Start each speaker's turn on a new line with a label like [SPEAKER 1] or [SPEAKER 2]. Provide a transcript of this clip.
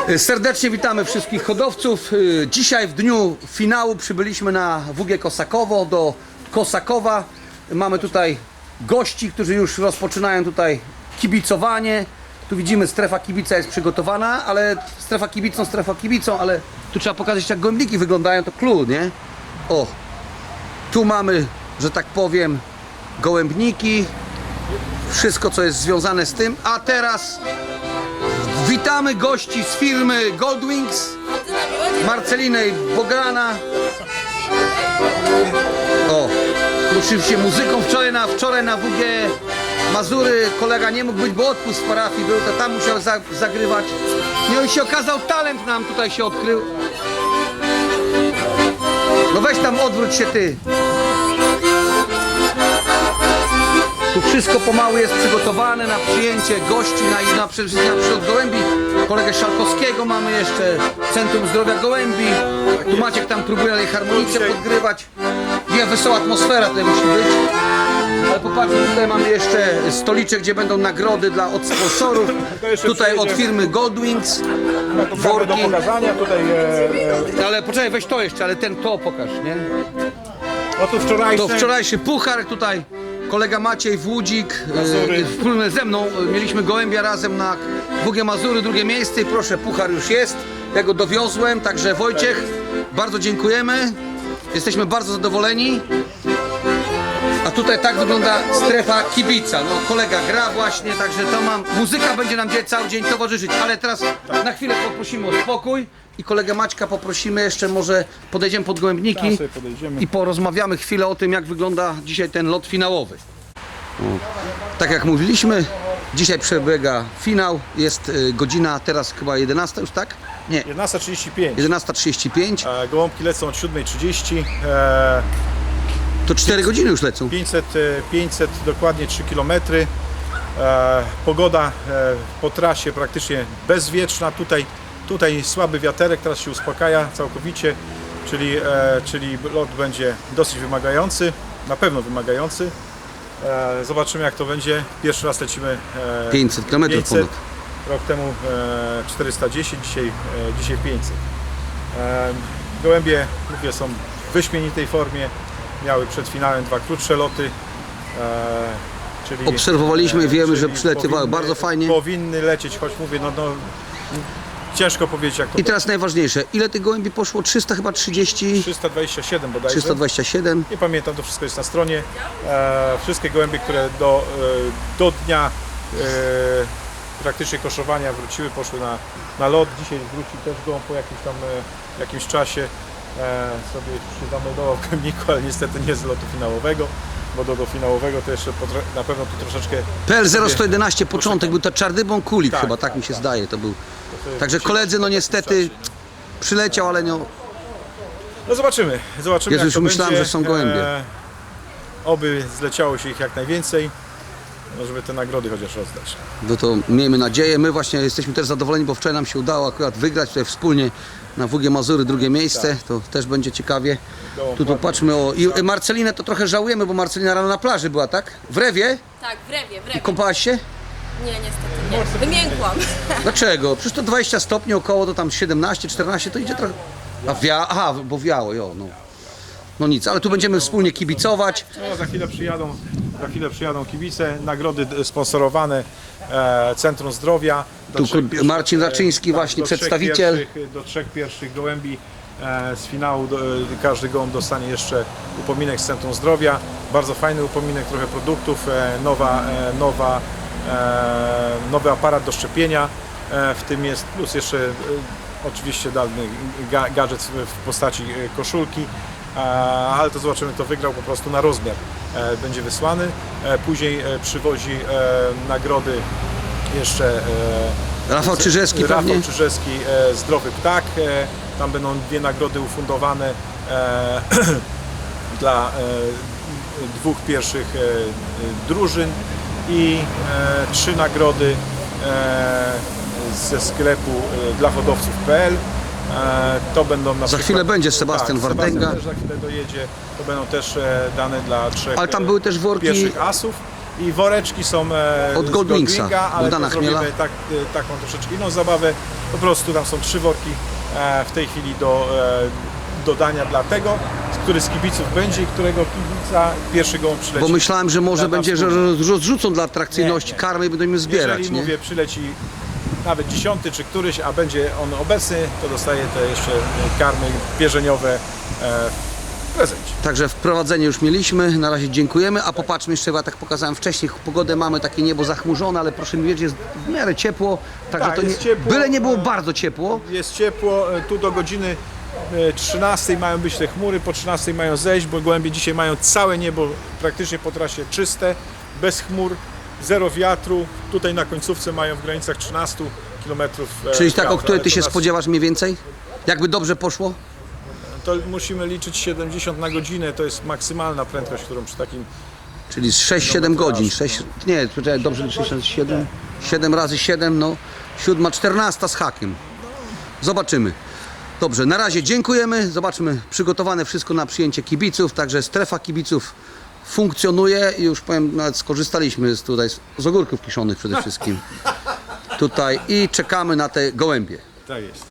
[SPEAKER 1] Serdecznie witamy wszystkich hodowców. Dzisiaj w dniu finału przybyliśmy na WG Kosakowo, do Kosakowa. Mamy tutaj gości, którzy już rozpoczynają tutaj kibicowanie. Tu widzimy, strefa kibica jest przygotowana, ale strefa kibicą, ale tu trzeba pokazać, jak gołębniki wyglądają, to clue, nie? O, tu mamy, że tak powiem, gołębniki, wszystko co jest związane z tym, a teraz witamy gości z firmy Goldwings, Marcelinę i Bogdana. O, oczywiście muzyką wczoraj na WG Mazury kolega nie mógł być, bo odpust w parafii był, to tam musiał zagrywać. No i się okazał, talent nam tutaj się odkrył. No weź tam, odwróć się ty. Tu wszystko pomału jest przygotowane na przyjęcie gości, na przylot gołębi. Kolegę Szalkowskiego mamy jeszcze, Centrum Zdrowia Gołębi. Tu Maciek tam próbuje harmonicę podgrywać. Nie, wesoła atmosfera tutaj musi być. Ale popatrzcie, tutaj mamy jeszcze stoliczek, gdzie będą nagrody od sponsorów. Tutaj od firmy Goldwings.
[SPEAKER 2] Worki do pokazania tutaj.
[SPEAKER 1] Ale poczekaj, weź to jeszcze, ale to pokaż, nie?
[SPEAKER 2] No to
[SPEAKER 1] wczorajszy puchar tutaj. Kolega Maciej Włódzik, wspólnie ze mną mieliśmy gołębia razem na WG Mazury, drugie miejsce i proszę, puchar już jest. Ja go dowiozłem, także Wojciech, bardzo dziękujemy. Jesteśmy bardzo zadowoleni. A tutaj tak wygląda strefa kibica. No, kolega gra właśnie, także to muzyka będzie nam dzisiaj cały dzień towarzyszyć. Ale teraz na chwilę poprosimy o spokój i kolegę Maćka poprosimy jeszcze, może podejdziemy pod gołębniki i porozmawiamy chwilę o tym, jak wygląda dzisiaj ten lot finałowy. Tak jak mówiliśmy, dzisiaj przebiega finał. Jest godzina teraz chyba 11 już, tak? Nie.
[SPEAKER 2] 11:35.
[SPEAKER 1] 11:35.
[SPEAKER 2] Gołąbki lecą od 7:30.
[SPEAKER 1] To 4 godziny już lecą.
[SPEAKER 2] 500 dokładnie 3 km. Pogoda po trasie praktycznie bezwietrzna. Tutaj słaby wiaterek, teraz się uspokaja całkowicie, czyli lot będzie dosyć wymagający, na pewno wymagający. Zobaczymy, jak to będzie. Pierwszy raz lecimy
[SPEAKER 1] 500 km ponad.
[SPEAKER 2] Rok temu 410, dzisiaj 500. Gołębie, mówię, są w wyśmienitej formie. Miały przed finałem 2 krótsze loty. Czyli
[SPEAKER 1] obserwowaliśmy i wiemy, że przylatywały bardzo fajnie.
[SPEAKER 2] Powinny lecieć, choć mówię, ciężko powiedzieć, jak to.
[SPEAKER 1] I teraz najważniejsze, ile tych gołębi poszło? 300 chyba 30?
[SPEAKER 2] 327 bodajże.
[SPEAKER 1] 327.
[SPEAKER 2] Nie pamiętam, to wszystko jest na stronie. Wszystkie gołębie, które do dnia praktycznie koszowania wróciły, poszły na lot. Dzisiaj wróci też gołąb po jakimś czasie. Sobie się zameldował w Kemniku, ale niestety nie z lotu finałowego, bo do finałowego to jeszcze na pewno tu troszeczkę.
[SPEAKER 1] PL 0111 początek był to Czardybon Kulik,
[SPEAKER 2] tak,
[SPEAKER 1] chyba tak mi się
[SPEAKER 2] tak.
[SPEAKER 1] zdaje, to był. Także koledzy, no niestety przyleciał, ale no.
[SPEAKER 2] No zobaczymy,
[SPEAKER 1] Jezu,
[SPEAKER 2] jak
[SPEAKER 1] już
[SPEAKER 2] to
[SPEAKER 1] myślałem,
[SPEAKER 2] będzie.
[SPEAKER 1] że są gołębie.
[SPEAKER 2] Oby zleciało się ich jak najwięcej, żeby te nagrody chociaż rozdać.
[SPEAKER 1] No to miejmy nadzieję. My właśnie jesteśmy też zadowoleni, bo wczoraj nam się udało akurat wygrać tutaj wspólnie na WG Mazury drugie miejsce. Tak. To też będzie ciekawie. Tu patrzmy o. I Marcelinę to trochę żałujemy, bo Marcelina rano na plaży była, tak? W Rewie?
[SPEAKER 3] Tak, w Rewie.
[SPEAKER 1] Kąpałaś się?
[SPEAKER 3] Nie, niestety nie. Wymiękłam.
[SPEAKER 1] Dlaczego? Przecież to 20 stopni około, to tam 17, 14, to idzie trochę. Aha, bo wiało, no. No nic, ale tu będziemy wspólnie kibicować.
[SPEAKER 2] No, za chwilę przyjadą kibice, nagrody sponsorowane Centrum Zdrowia.
[SPEAKER 1] Tu Marcin Raczyński właśnie, przedstawiciel.
[SPEAKER 2] Do 3 pierwszych gołębi z finału każdy gołąb dostanie jeszcze upominek z Centrum Zdrowia. Bardzo fajny upominek, trochę produktów, nowy aparat do szczepienia, w tym jest plus jeszcze oczywiście dany gadżet w postaci koszulki. Ale to zobaczymy, kto wygrał po prostu na rozmiar. Będzie wysłany. Później przywozi nagrody jeszcze
[SPEAKER 1] Rafał Czyżewski pewnie?
[SPEAKER 2] Rafał Czyżewski, Zdrowy Ptak. Tam będą 2 nagrody ufundowane dla 2 pierwszych drużyn i 3 nagrody ze sklepu dla hodowców.pl. To będą na
[SPEAKER 1] Za chwilę będzie Sebastian Wardęga.
[SPEAKER 2] Sebastian też za chwilę dojedzie. To będą też dane dla 3
[SPEAKER 1] Ale tam były też worki
[SPEAKER 2] pierwszych asów. I woreczki są
[SPEAKER 1] Od
[SPEAKER 2] z
[SPEAKER 1] Goldwingsa,
[SPEAKER 2] ale
[SPEAKER 1] Bogdana
[SPEAKER 2] to zrobimy
[SPEAKER 1] Chmiela.
[SPEAKER 2] taką troszeczkę inną zabawę. Po prostu tam są 3 worki w tej chwili do dodania dla tego, który z kibiców będzie i którego kibica pierwszy gołąb przyleci.
[SPEAKER 1] Bo myślałem, że może
[SPEAKER 2] Dla nas
[SPEAKER 1] będzie, że
[SPEAKER 2] wspólnie.
[SPEAKER 1] rozrzucą dla atrakcyjności
[SPEAKER 2] Nie.
[SPEAKER 1] karmy i będą im zbierać,
[SPEAKER 2] Jeżeli
[SPEAKER 1] nie?
[SPEAKER 2] mówię, przyleci nawet 10 czy któryś, a będzie on obecny, to dostaje te jeszcze karmy pierzeniowe w prezencie.
[SPEAKER 1] Także wprowadzenie już mieliśmy, na razie dziękujemy, a popatrzmy jeszcze, ja tak pokazałem wcześniej, pogodę mamy, takie niebo zachmurzone, ale proszę mi wierzyć, jest w miarę ciepło, także
[SPEAKER 2] Tak,
[SPEAKER 1] to nie,
[SPEAKER 2] jest ciepło.
[SPEAKER 1] byle nie było bardzo ciepło.
[SPEAKER 2] Jest ciepło, tu do godziny 13 mają być te chmury, po 13 mają zejść, bo gołębie dzisiaj mają całe niebo praktycznie po trasie czyste, bez chmur, zero wiatru. Tutaj na końcówce mają w granicach 13 km.
[SPEAKER 1] Czyli tak, o której ty się spodziewasz mniej więcej? Jakby dobrze poszło?
[SPEAKER 2] To musimy liczyć 70 na godzinę, to jest maksymalna prędkość, którą przy takim...
[SPEAKER 1] Czyli z 6-7 godzin, 6, nie, poczekaj, dobrze liczę, 7, 7 razy 7, no 7, 14 z hakiem. Zobaczymy. Dobrze, na razie dziękujemy, zobaczmy, przygotowane wszystko na przyjęcie kibiców, także strefa kibiców funkcjonuje i już powiem, nawet skorzystaliśmy z ogórków kiszonych przede wszystkim tutaj i czekamy na te gołębie.
[SPEAKER 2] Tak jest.